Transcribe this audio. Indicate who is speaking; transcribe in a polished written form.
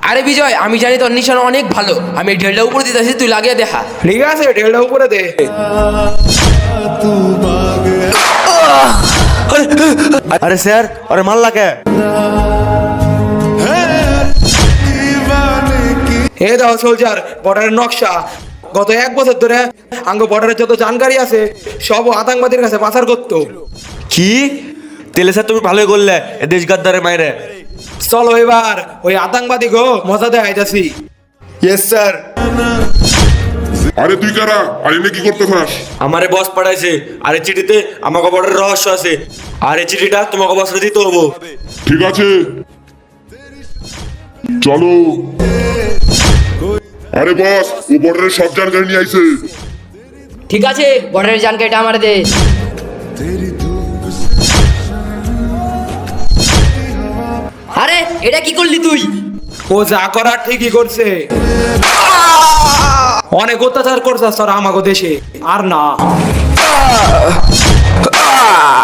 Speaker 1: আরে বিজয়, আমি জানি তোর নিশানা অনেক ভালো, আমি ঢেলটা উপরে দিতেছি, তুই লাগিয়ে দেখা।
Speaker 2: ঠিক আছে, ঢেলটা উপরে দে।
Speaker 3: আরে স্যার, আরে মাল্লা কে?
Speaker 2: এ দাও সোলজার, বর্ডারের নকশা। গত 1 বছর ধরে আঙ্গ বর্ডারের যত জানকারি আছে সব আতঙ্কবাদীর কাছে পাচার করতো।
Speaker 3: কি? তেলে স্যার তুমি ভালোই করলে এ দেশ গাদ্দারে মাইরে।
Speaker 2: চলো এবার ওই আতঙ্কবাদী গো মজা দেয় আইতাছি।
Speaker 3: Yes sir.
Speaker 4: আরে তুই কারা? আর এনে কি করতে চাস?
Speaker 3: আমারে বস পাঠাইছে, আর এই চিঠিতে আমাকে বড়ের রহস্য আছে, আর এই চিঠিটা তোমাকে বসরে দিতে হবো।
Speaker 4: ঠিক আছে, চলো। আরে বস, ও বর্ডারের সব জানকারি নিয়ে আইছে।
Speaker 1: ঠিক আছে, বর্ডারের জানকারিটা আমার দে। আরে এটা কি করলি তুই?
Speaker 2: ও যা করার ঠিকই করছে। অনেক অত্যাচার করছে তোরা আমাগো দেশে, আর না।